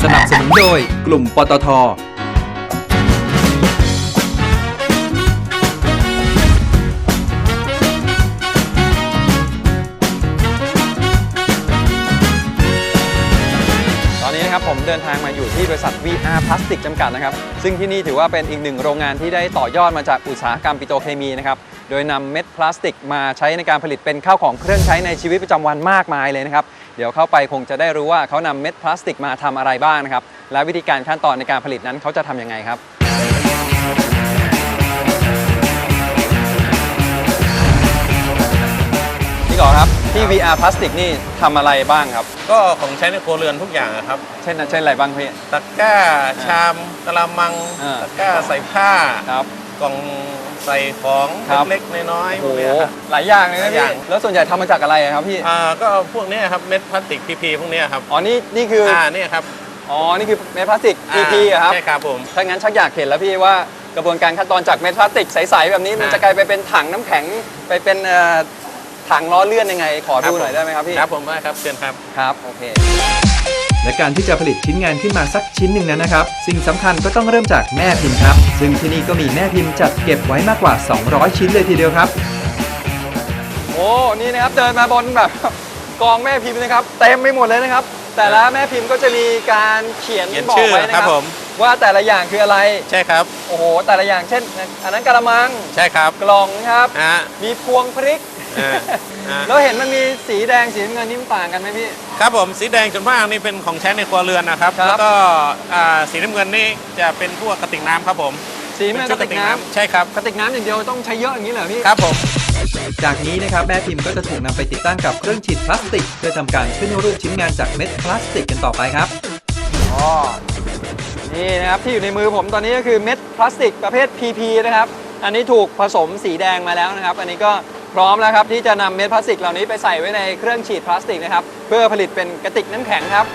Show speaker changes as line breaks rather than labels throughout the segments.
สนับสนุนโดยกลุ่มปตท.
ผมเดินทางมาอยู่ที่บริษัท VR พลาสติกจำกัดนะครับซึ่งที่นี่ถือว่าเป็นอีกหนึ่งโรงงานที่ได้ต่อยอดมาจากอุตสาหกรรมปิโตรเคมีนะครับโดยนำเม็ดพลาสติกมาใช้ในการผลิตเป็นข้าวของเครื่องใช้ในชีวิตประจำวันมากมายเลยนะครับเดี๋ยวเข้าไปคงจะได้รู้ว่าเขานำเม็ดพลาสติกมาทำอะไรบ้างนะครับและวิธีการขั้นตอนในการผลิตนั้นเขาจะทำยังไงครับพี่ก่อครับที่ VR พลาสติกนี่ทำอะไรบ้างครับ
ก็ของใช้ในครัวเรือนทุกอย่างครับ
เช่นอะไรบ้างพี่
ตะกร้าชามกะละมังตะกร้าใส่ผ้ากล่องใส่ของเล็กๆน้อยๆพวกนี้ครับ
หลายอย่างเลยนะพี่แล้วส่วนใหญ่ทำมาจากอะไรครับพี่
ก็พวกนี้ครับเม็ดพลาสติก PP พวกนี้ครับ
อ๋อนี่คือ
นี่ครับ
อ๋อนี่คือเม็ดพลาสติก PP ครับ
ใช่ครับผม
ถ้างั้นชักอยากเห็นแล้วพี่ว่ากระบวนการขั้นตอนจากเม็ดพลาสติกใสๆแบบนี้มันจะกลายไปเป็นถังน้ำแข็งไปเป็นถังล้อเลื่อนยังไงขอดูหน่อยได้ไหมครับพี่
ครับผมได้ครับเชิญครับ
ครับโอเค
และการที่จะผลิตชิ้นงานขึ้นมาสักชิ้นหนึ่งนั้นนะครับสิ่งสำคัญก็ต้องเริ่มจากแม่พิมพ์ครับซึ่งที่นี่ก็มีแม่พิมพ์จัดเก็บไว้มากกว่า200ชิ้นเลยทีเดียวครับ
โอ้นี่นะครับเดินมาบนแบบกองแม่พิมพ์นะครับเต็มไปหมดเลยนะครับแต่ละแม่พิมพ์ก็จะมีการเขียนบอกไว้นะครับว่าแต่ละอย่างคืออะไร
ใช่ครับ
โอ้โหแต่ละอย่างเช่นอันนั้นกระมัง
ใช่ครับ
กล่องครับมีพวงพริกแล้วเห็นมันมีสีแดงสีน้ำเงินนี่มันต่างกันไหมพี่
ครับผมสีแดงส่วนมากนี่เป็นของใช้ในครัวเรือนนะครับแล้วก็สีน้ำเงินนี่จะเป็นพวกกระติกน้ำครับผม
สีน้ำเงินกระติกน้ำ
ใช่ครับ
กระติกน้ำอย่างเดียวต้องใช้เยอะอย่างนี้เหรอพี่
ครับผม
จากนี้นะครับแม่พิมพ์ก็จะถูกนำไปติดตั้งกับเครื่องฉีดพลาสติกเพื่อทำการขึ้นรูปชิ้นงานจากเม็ดพลาสติกกันต่อไปครับ
อ๋อนี่นะครับที่อยู่ในมือผมตอนนี้ก็คือเม็ดพลาสติกประเภท PP นะครับอันนี้ถูกผสมสีแดงมาแล้วนะครับอันนี้ก็พร้อมแล้วครับที่จะนำเม็ดพลาสติกเหล่านี้ไปใส่ไว้ในเครื่องฉีดพลาสติกนะครับเพื่อผลิตเป็นกระติกน้ำแข็งครับ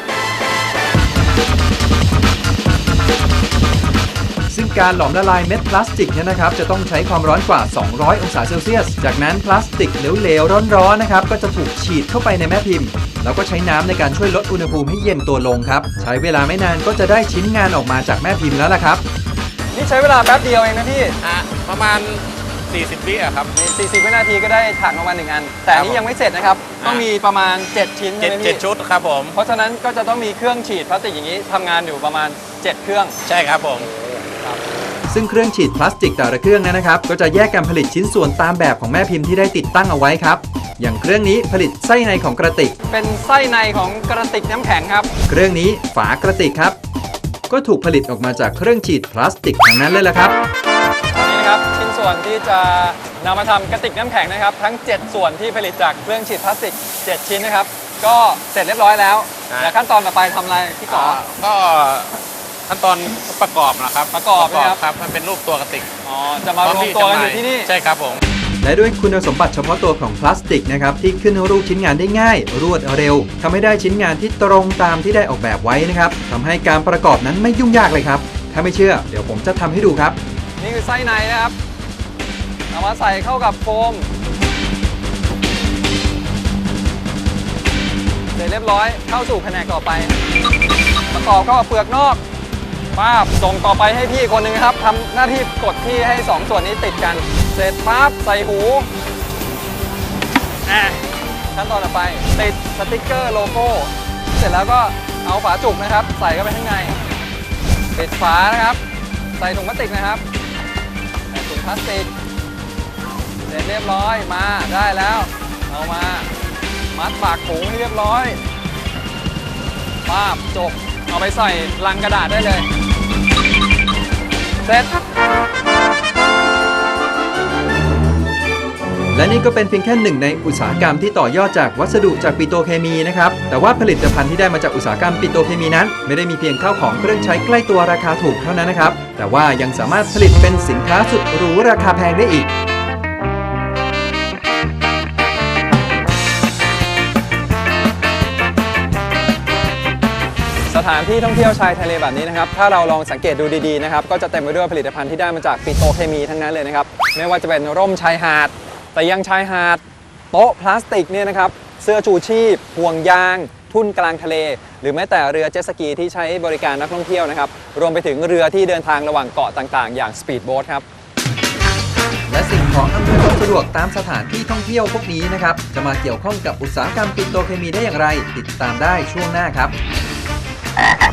ซึ่งการหลอมละลายเม็ดพลาสติกเนี่ยนะครับจะต้องใช้ความร้อนกว่า200องศาเซลเซียสจากนั้นพลาสติกเหลวๆร้อนๆนะครับก็จะถูกฉีดเข้าไปในแม่พิมพ์แล้วก็ใช้น้ำในการช่วยลดอุณหภูมิให้เย็นตัวลงครับใช้เวลาไม่นานก็จะได้ชิ้นงานออกมาจากแม่พิมพ์แล้วล่ะครับ
นี่ใช้เวลาแป๊บเดียวเองนะพี่
ประมาณ40 วิครับ
40 วินาทีก็ได้ถังออกมา1อันแต่อันนี้ยังไม่เสร็จนะครับต้องมีประมาณ7ชิ้นใช่ไหมพี่
7ชุดครับผม
เพราะฉะนั้นก็จะต้องมีเครื่องฉีดพลาสติกอย่างนี้ทำงานอยู่ประมาณ7เครื่อง
ใช่ครับผม
ซึ่งเครื่องฉีดพลาสติกแต่ละเครื่องนะครับก็จะแยกกันผลิตชิ้นส่วนตามแบบของแม่พิมพ์ที่ได้ติดตั้งเอาไว้ครับอย่างเครื่องนี้ผลิตไส้ในของกระติก
เป็นไส้ในของกระติกน้ำแข็งครับ
เครื่องนี้ฝากระติกครับก็ถูกผลิตออกมาจากเครื่องฉีดพลาสติกทั้งนั้นเลยล่ะครับ
นี่นะครับชิ้นส่วนที่จะนำมาทำกระติกน้ำแข็งนะครับทั้ง7ส่วนที่ผลิตจากเครื่องฉีดพลาสติก7ชิ้นนะครับก็เสร็จเรียบร้อยแล้วและขั้นตอนต่อไปทำอะไรพี่ก่อ
ก็ขั้นตอนประกอบนะครับ
ประกอบ
ครับมันเป็นรูปตัวกระติก
จะมารวมตัวกันอยู่ที่นี่
ใช่ครับผม
และด้วยคุณสมบัติเฉพาะตัวของพลาสติกนะครับที่ขึ้นรูปชิ้นงานได้ง่ายรวดเร็วทำให้ได้ชิ้นงานที่ตรงตามที่ได้ออกแบบไว้นะครับทำให้การประกอบนั้นไม่ยุ่งยากเลยครับถ้าไม่เชื่อเดี๋ยวผมจะทำให้ดูครับ
นี่คือไส้ในนะครับเอามาใส่เข้ากับโฟมเสร็จเรียบร้อยเข้าสู่แผนกต่อไปประกอบเข้ากับเปลือกนอกปั๊บส่งต่อไปให้พี่คนหนึ่งครับทำหน้าที่กดที่ให้2ส่วนนี้ติดกันเสร็จปั๊บใส่หูขั้นตอนต่อไปติดสติ๊กเกอร์โลโก้เสร็จแล้วก็เอาฝาจุกนะครับใส่เข้าไปข้างในปิดฝานะครับใส่ถุงพลาสติกนะครับใส่ถุงพลาสติกเสร็จเรียบร้อยมาได้แล้วเอามามัดปากถุงให้เรียบร้อยปั๊บจบเอาไปใส่ลังกระดาษได้เลยเสร็จ
และนี่ก็เป็นเพียงแค่หนึ่งในอุตสาหกรรมที่ต่อยอดจากวัสดุจากปิโตรเคมีนะครับแต่ว่าผลิตภัณฑ์ที่ได้มาจากอุตสาหกรรมปิโตรเคมีนั้นไม่ได้มีเพียงข้าวของเครื่องใช้ใกล้ตัวราคาถูกเท่านั้นนะครับแต่ว่ายังสามารถผลิตเป็นสินค้าสุดหรูราคาแพงได้อีก
สถานที่ท่องเที่ยวชายทะเลแบบนี้นะครับถ้าเราลองสังเกตดูดีๆนะครับก็จะเต็มไปด้วยผลิตภัณฑ์ที่ได้มาจากปิโตรเคมีทั้งนั้นเลยนะครับไม่ว่าจะเป็นร่มชายหาดเตียงชายหาดโต๊ะพลาสติกเนี่ยนะครับเสื้อชูชีพห่วงยางทุ่นกลางทะเลหรือแม้แต่เรือเจ็ตสกีที่ใช้บริการนักท่องเที่ยวนะครับรวมไปถึงเรือที่เดินทางระหว่างเกาะต่างๆอย่างสปีดโบ๊ทครับ
และสิ่งของอำนวยความสะดวกตามสถานที่ท่องเที่ยวพวกนี้นะครับจะมาเกี่ยวข้องกับอุตสาหกรรมปิโตรเคมีได้อย่างไรติดตามได้ช่วงหน้าครับ